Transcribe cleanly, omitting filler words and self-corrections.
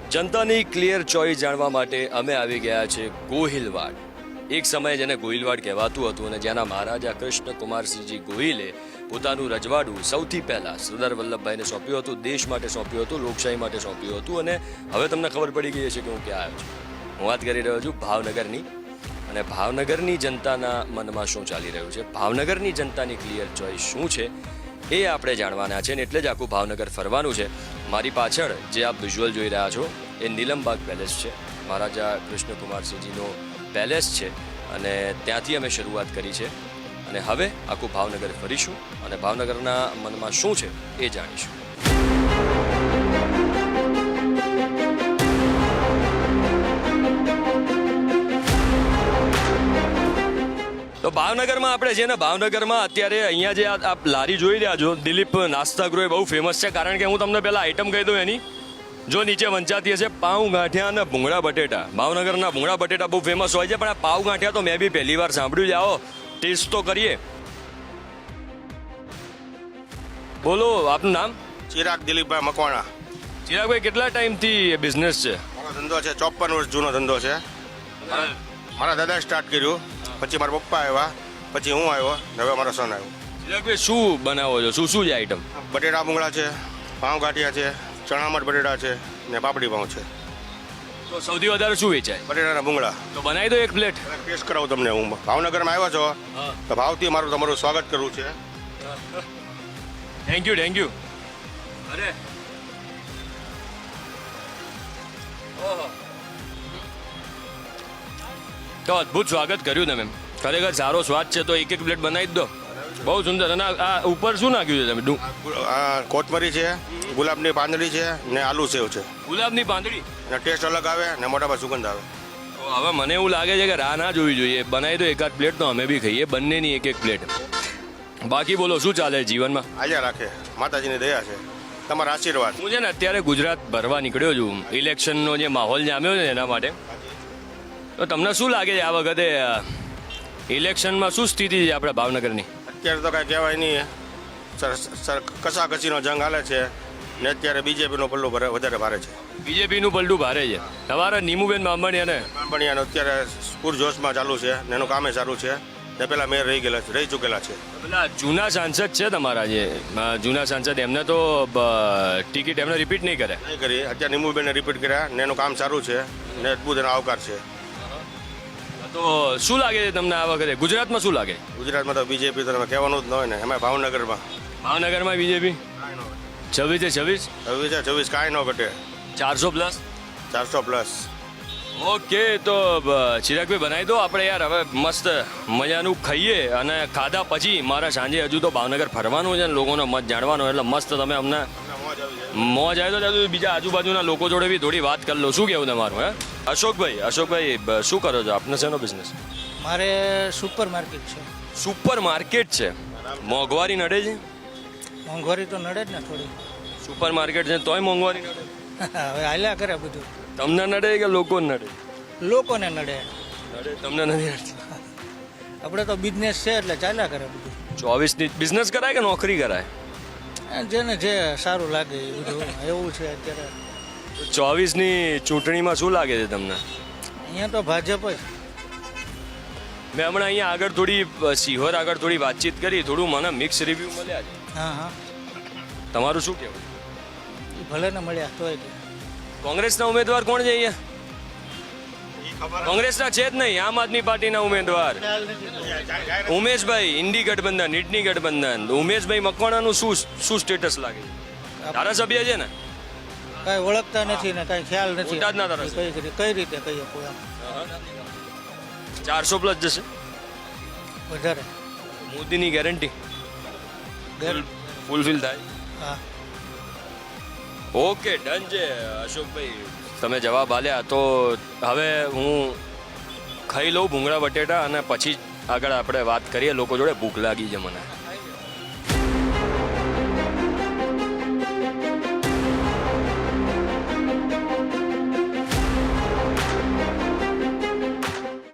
જનતાની clear choice જાણવા માટે અમે આવી ગયા છે ગોહિલવાડ. એક સમયે જેને ગોહિલવાડ કહેવાતું હતું અને જેના મહારાજા કૃષ્ણકુમારસિંહજી ગોહિલે પોતાનું રજવાડું સૌથી પહેલાં સરદાર વલ્લભભાઈને સોંપ્યું હતું, દેશ માટે સોંપ્યું હતું, લોકશાહી માટે સોંપ્યું હતું. અને હવે તમને ખબર પડી ગઈ છે કે હું ક્યાં આવ્યો છું. હું વાત કરી રહ્યો છું ભાવનગરની. અને ભાવનગરની જનતાના મનમાં શું ચાલી રહ્યું છે, ભાવનગરની જનતાની ક્લિયર ચોઇસ શું છે, એ આપણે જાણવાના છે. ને એટલે જ આખું ભાવનગર ફરવાનું છે. મારી પાછળ જે આપ વિઝ્યુઅલ જોઈ રહ્યા છો એ નીલમબાગ પેલેસ છે, મહારાજા કૃષ્ણકુમારસિંહજીનો પેલેસ છે. અને ત્યાંથી અમે શરૂઆત કરી છે અને હવે આખું ભાવનગર ફરીશું અને ભાવનગરના મનમાં શું છે એ જાણીશું. તો ભાવનગરમાં આપણે છે ને, ભાવનગરમાં અત્યારે અહીંયા જે આપ લારી જોઈ રહ્યા છો, દિલીપ નાસ્તા ગૃહ બહુ ફેમસ છે. કારણ કે હું તમને પહેલાં આઈટમ કહી દઉં એની, જો નીચે વંચાતી હશે પાઉં ગાંઠિયા અને ભૂંગળા બટેટા. ભાવનગરના ભૂંગળા બટેટા બહુ ફેમસ હોય છે, પણ આ પાઉં ગાંઠિયા તો મેં બી પહેલી વાર સાંભળ્યું છે. આવો ટેસ્ટ તો કરીએ. બોલો, આપનું નામ? ચિરાગ દિલીપભાઈ મકવાણા. ચિરાગભાઈ, કેટલા ટાઈમથી બિઝનેસ છે? મારો ધંધો છે 54 વર્ષ જૂનો ધંધો છે. મારા દાદા સ્ટાર્ટ કર્યું, પછી મારા પપ્પા આવ્યા, પછી હું આવ્યો, ને હવે મારો સન આવ્યો. ચિરાગભાઈ, શું બનાવો છો? શું છે આઈટમ? બટેટા ભૂંગળા છે, પાઉં ગાંઠિયા છે, ચણામઠ બટેટા છે ને પાપડી પાઉં છે. તો સૌથી વધારે શું વેચાય? બટેટાના ભૂંગળા. તો બનાવી દો એક પ્લેટ. ટેસ્ટ કરાવું તમને. હું ભાવનગરમાં આવ્યો છો તો ભાવથી મારું તમારું સ્વાગત કરવું છે. Thank you. અરે ઓહો, તો અદ્ભુત સ્વાગત કર્યું તમે. ખરેખર સારો સ્વાદ છે. તો એક પ્લેટ બનાવી જ દો. બહુ સુંદર. અને આ ઉપર શું નાખ્યું છે તમે? આ કોથમરી છે, ગુલાબની પાંદડી છે ને આલુ સેવ છે. ગુલાબની પાંદડી. ને ટેસ્ટ અલગ આવે ને મોઢામાં સુગંધ આવે. તો હવે મને એવું લાગે છે કે રાહ ના જોવી જોઈએ. બનાવી દો એકાદ પ્લેટ તો અમે બી ખાઈએ, બંનેની એક પ્લેટ. બાકી બોલો, શું ચાલે જીવનમાં? આજા રાખે, માતાજીની દયા છે, તમારા આશીર્વાદ. હું છે ને અત્યારે ગુજરાત ભરવા નીકળ્યો છું. ઇલેક્શનનો જે માહોલ જામ્યો છે એના માટે. તો તમને શું લાગે છે આ વખતે ઇલેક્શનમાં શું સ્થિતિ છે આપણે ભાવનગરની? અત્યારે તો કાંઈ કહેવાય નહીં. કસાકસીનો જંગ હાલે છે ને અત્યારે બીજેપીનો પલ્લો વધારે ભારે છે. બીજેપીનું પલટું ભારે છે. તમારા નીમુબેન બાંભણિયાને બાંભણિયાનો અત્યારે પૂરજોશમાં ચાલુ છે ને એનું કામે સારું છે ને પેલા મેયર રહી ચૂકેલા છે. પેલા જૂના સાંસદ છે તમારા, જે જૂના સાંસદ, એમને તો ટિકિટ એમને રિપીટ નહીં કરે? નહીં કરી. અત્યારે નીમુબેનને રિપીટ કર્યા ને એનું કામ સારું છે ને અદભુત એનો આવકાર છે. તો શું લાગે છે તમને આ વખતે ગુજરાતમાં? શું લાગે? ગુજરાતમાં તો બીજેપી તો કહેવાનું જ ન હોય ને, એમાં ભાવનગરમાં બીજેપી 26 26 કાંઈ ન ઘટે. 400+. 400+. ઓકે, તો ચિરાગભાઈ બનાવી દો આપણે યાર. હવે મસ્ત મજાનું ખાઈએ અને ખાધા પછી મારા સાંજે હજુ તો ભાવનગર ફરવાનું છે ને લોકોનો મત જાણવાનો. એટલે મસ્ત તમે અમને મોજ આવે તો બીજા આજુબાજુના લોકો જોડે બી થોડી વાત કરી લો. શું કહેવું તમારું? હે અશોકભાઈ, શું કરો છો? આપને શેનો બિઝનેસ? મારે સુપર માર્કેટ છે. સુપર માર્કેટ છે. મોંઘવારી નડે છે? મોંઘવારી તો નડે જ ને થોડી. સુપર માર્કેટ છે તોય મોંઘવારી નડે? હવે હાલ્યા કરે બધું. તમને નડે કે લોકોને નડે? લોકોને નડે. તમને નથી નડતી? આપણે તો બિઝનેસ છે એટલે ચાલ્યા કરે બધું. 24ની બિઝનેસ કરાય કે નોકરી કરાય? જેને જે સારું લાગે એ બધું એવું છે અત્યારે. 24ની ચૂંટણીમાં શું લાગે છે તમને? અહીંયા તો ભાજપ જ. મેં હમણાં અહીંયા આગળ થોડી સિહોર આગળ થોડી વાતચીત કરી, થોડું મને મિક્સ રિવ્યૂ મળ્યા છે. હા. તમારું શું કહેવું? એ ભલે ને મળ્યા તોય તે. કોંગ્રેસના ઉમેદવાર કોણ છે અહીંયા? કોંગ્રેસના છે જ નહીં, આમ આદમી પાર્ટીના ઉમેદવાર ઉમેશભાઈ, ઇન્ડી ગઠબંધન, ઇડની ગઠબંધન. ઉમેશભાઈ મકવાણાનું શું સ્ટેટસ લાગે છે? ધારાસભ્ય છે ને? કાંઈ ઓળખતા નથી ને કાંઈ ખ્યાલ નથી. બોટાદના ધારાસભ્ય. કઈ રીતે કહીએ કોઈ આમ 400+ જશે વધારે. મોદીની ગેરંટી ફૂલફિલ થાય? હા. ઓકે, ડન છે અશોકભાઈ, તમે જવાબ આલ્યા. તો હવે હું ખાઈ લઉં ભૂંગળા બટેટા અને પછી આગળ આપણે વાત કરીએ. લોકો જોડે ભૂખ લાગી છે મને.